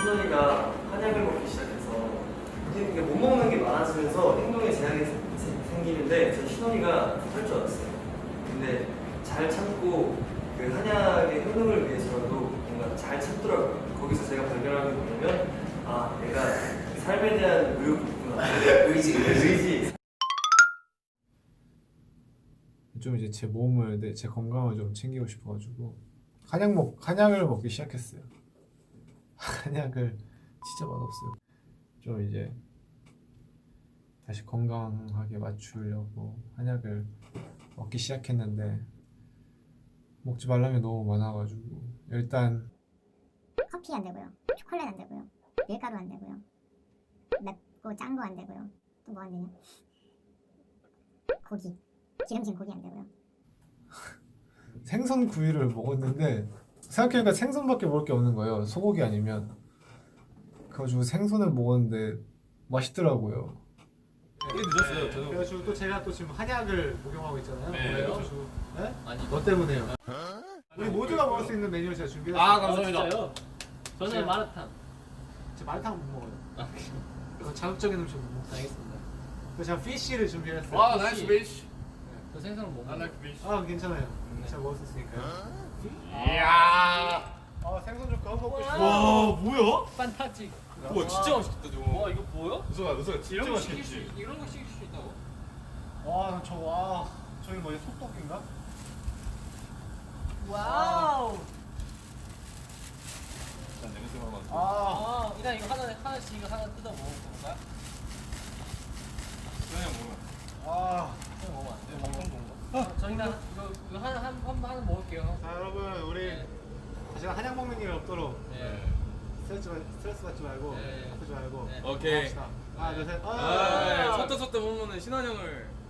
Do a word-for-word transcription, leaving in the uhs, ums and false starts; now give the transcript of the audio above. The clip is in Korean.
신원이가 한약을 먹기 시작해서 이게 못 먹는 게 많아지면서 행동에 제약이 생- 생- 생기는데 저 신원이가 할 줄 알았어요. 근데 잘 참고 그 한약의 효능을 위해서라도 뭔가 잘 참더라고요. 거기서 제가 발견한 게 뭐냐면 아 내가 삶에 대한 의욕이 있구나. 의지, 의지. 좀 이제 제 몸을, 내, 제 건강을 좀 챙기고 싶어가지고 한약 먹 한약을 먹기 시작했어요. 한약을 진짜 맛없어요. 좀 이제 다시 건강하게 맞추려고 한약을 먹기 시작했는데 먹지 말라는 게 너무 많아가지고 일단 커피 안 되고요. 초콜릿 안 되고요. 밀가루 안 되고요. 맵고 짠 거 안 되고요. 또 뭐 안 되냐? 고기. 기름진 고기 안 되고요. 생선 구이를 먹었는데 생각해보니까 생선밖에 먹을 게 없는 거예요. 소고기 아니면. 그래가지고 생선을 먹었는데 맛있더라고요. 꽤 늦었어요. 저는 그래가지고 또 제가 또 지금 한약을 목용하고 있잖아요. 네. 그래가지고 네? 아니 너 때문에요. 우리 모두가 먹을 수 있는 메뉴를 제가 준비했어요. 아 감사합니다. 저는 제가- 마라탕. 저 마라탕 못 먹어요. 아, 그거 자극적인 음식 못 먹어요. 알겠습니다. 그래서 제가 피쉬를 준비했어요. 와 나이스 베이시. 저 생선은 못 I 먹어요. like fish. 아 괜찮아요. 제가 먹을 수 있으니까요. 이야. 아 생선 좀 그만 먹고 싶어. 와 뭐야? 판타지. 와 진짜 맛있겠다 저거. 와 이거 뭐야? 우석아 우석아 진짜 이런 거 시킬 수 맛있겠지. 이런 거 시킬 수 있다고? 와 저거 와 저기 뭐지 속독인가? 와우. 난 냄새만 맡고. 아 아 일단 이거 하나 하나씩 이거 하나 뜯어 먹어볼까? 그냥 먹으면. 아. 그냥 먹으면 안 돼요? 먹는 건가? 어, 저희는 이거 이거 하나 한 한 하나 먹을게요. 자 여러분 우리 네. 제가 한약 먹는 일 없도록 네. 스트레스, 받- 스트레스 받지 말고 네. 아프지 말고 네. 오케이. 합시다. 하나 둘 셋. 아, 아, 섰다 섰다 보면은 신한 형을